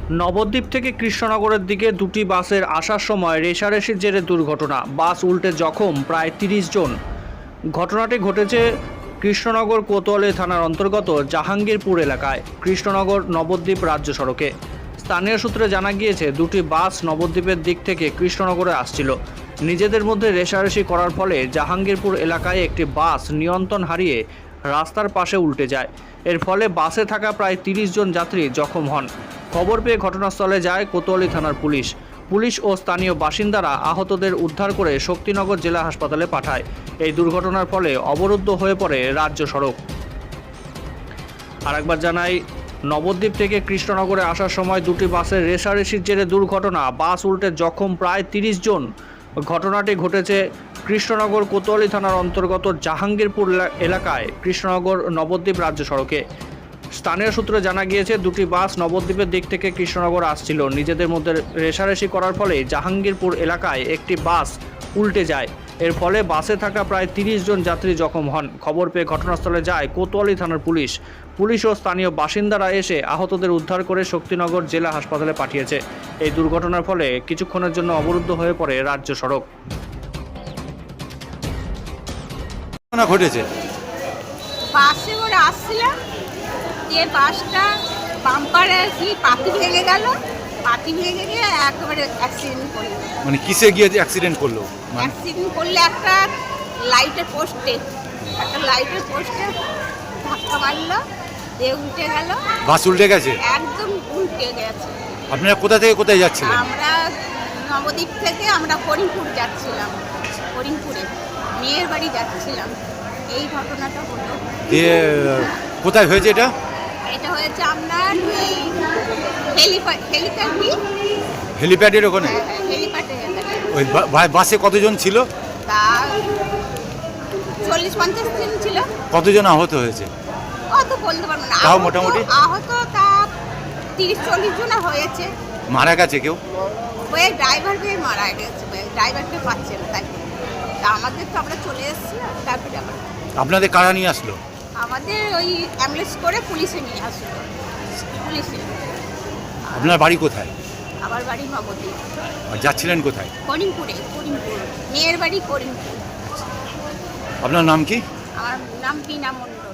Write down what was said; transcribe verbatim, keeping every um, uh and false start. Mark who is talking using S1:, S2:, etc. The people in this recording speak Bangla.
S1: নবদ্বীপ থেকে কৃষ্ণনগরের দিকে দুটি বাসের আসার সময় রেষারেষির জেরে দুর্ঘটনা, বাস উল্টে জখম প্রায় তিরিশ জন। ঘটনাটি ঘটেছে কৃষ্ণনগর কোতোয়ালি থানার অন্তর্গত জাহাঙ্গীরপুর এলাকায়, কৃষ্ণনগর নবদ্বীপ রাজ্য সড়কে। স্থানীয় সূত্রে জানা গিয়েছে, দুটি বাস নবদ্বীপের দিক থেকে কৃষ্ণনগরে আসছিল। নিজেদের মধ্যে রেষারেষি করার ফলে জাহাঙ্গীরপুর এলাকায় একটি বাস নিয়ন্ত্রণ হারিয়ে রাস্তার পাশে উল্টে যায়। এর ফলে বাসে থাকা প্রায় তিরিশ জন যাত্রী জখম হন। খবর পেয়ে ঘটনাস্থলে যায় কোতোয়ালি থানার পুলিশ। পুলিশ ও স্থানীয় বাসিন্দারা আহতদের উদ্ধার করে শক্তিনগর জেলা হাসপাতালে পাঠায়। এই দুর্ঘটনার ফলে অবরুদ্ধ হয়ে পড়ে রাজ্য সড়ক। আরেকবার জানাই, নবদ্বীপ থেকে কৃষ্ণনগরে আসার সময় দুটি বাসের রেষারেষির জেরে দুর্ঘটনা, বাস উল্টে জখম প্রায় তিরিশ জন। ঘটনাটি ঘটেছে কৃষ্ণনগর কোতোয়ালি থানার অন্তর্গত জাহাঙ্গীরপুর এলাকায়, কৃষ্ণনগর নবদ্বীপ রাজ্য সড়কে। স্থানীয় সূত্রে জানা গিয়েছে, দুটি বাস নবদ্বীপের দিক থেকে কৃষ্ণনগর আসছিল। নিজেদের মধ্যে রেষারেষি করার ফলে জাহাঙ্গীরপুর এলাকায় একটি বাস উল্টে যায়। এর ফলে বাসে থাকা প্রায় তিরিশ জন যাত্রী জখম হন। খবর পেয়ে ঘটনাস্থলে যায় কোতোয়ালি থানার পুলিশ। পুলিশ ও স্থানীয় বাসিন্দারা এসে আহতদের উদ্ধার করে শক্তিনগর জেলা হাসপাতালে পাঠিয়েছে। এই দুর্ঘটনার ফলে কিছুক্ষণের জন্য অবরুদ্ধ হয়ে পড়ে রাজ্য সড়ক।
S2: ঘটেছে
S3: বাসে করে আসছিলাম, যে বাসটা বাম্পারে কি পাতি ভেঙে গেল, পাতি ভেঙে গিয়ে একেবারে অ্যাক্সিডেন্ট করলো।
S2: মানে কিসে গিয়ে অ্যাক্সিডেন্ট করলো? মানে
S3: অ্যাক্সিডেন্ট করলে একটা লাইটের পোস্টে একটা লাইটের পোস্টে ধাক্কা মারলো, দিয়ে উল্টে গেল।
S2: বাস উল্টে গেছে?
S3: একদম উল্টে গেছে।
S2: আপনারা কোথা থেকে কোথায় যাচ্ছিলেন?
S3: আমরা নবদ্বীপ থেকে আমরা করিমপুর যাচ্ছিলাম, করিমপুরে মেয়ের বাড়ি যাচ্ছিলাম। এই ঘটনাটা হলো।
S2: দিয়ে কোথায় হয়েছে এটা?
S3: এটা হয়েছে আপনার ওই হেলিপ্যাড হেলিপ্যাড
S2: হেলিপ্যাডের ওখানে?
S3: হেলিপ্যাডে।
S2: ওই বা- বাসে কতজন ছিল?
S3: তা চল্লিশ পঞ্চাশ জন ছিল।
S2: কতজন আহত হয়েছে?
S3: অত বলতে পারবো না।
S2: তাও
S3: আহত-
S2: মোটামুটি?
S3: আহত তা তিরিশ চল্লিশ জন হয়েছে।
S2: মারা গেছে কেউ?
S3: ওই ড্রাইভারকে মারা গেছে, ড্রাইভারকে পাচ্ছে না। তাই তা আমাদের তো আমরা চলে এসেছি, তারপরে আবার
S2: আপনাদের কারা নিয়ে আসলো?
S3: আমাদের ওই অ্যাম্বুলেন্স করে পুলিশে নিয়ে আসলো। পুলিশে।
S2: আপনার বাড়ি কোথায়?
S3: আমার বাড়ি নবদ্বীপ।
S2: আর যাচ্ছিলেন কোথায়?
S3: করিমপুরে, করিমপুর মেয়ের বাড়ি করিমপুর।
S2: আপনার নাম কি?
S3: আমার নাম বিনা মণ্ডল।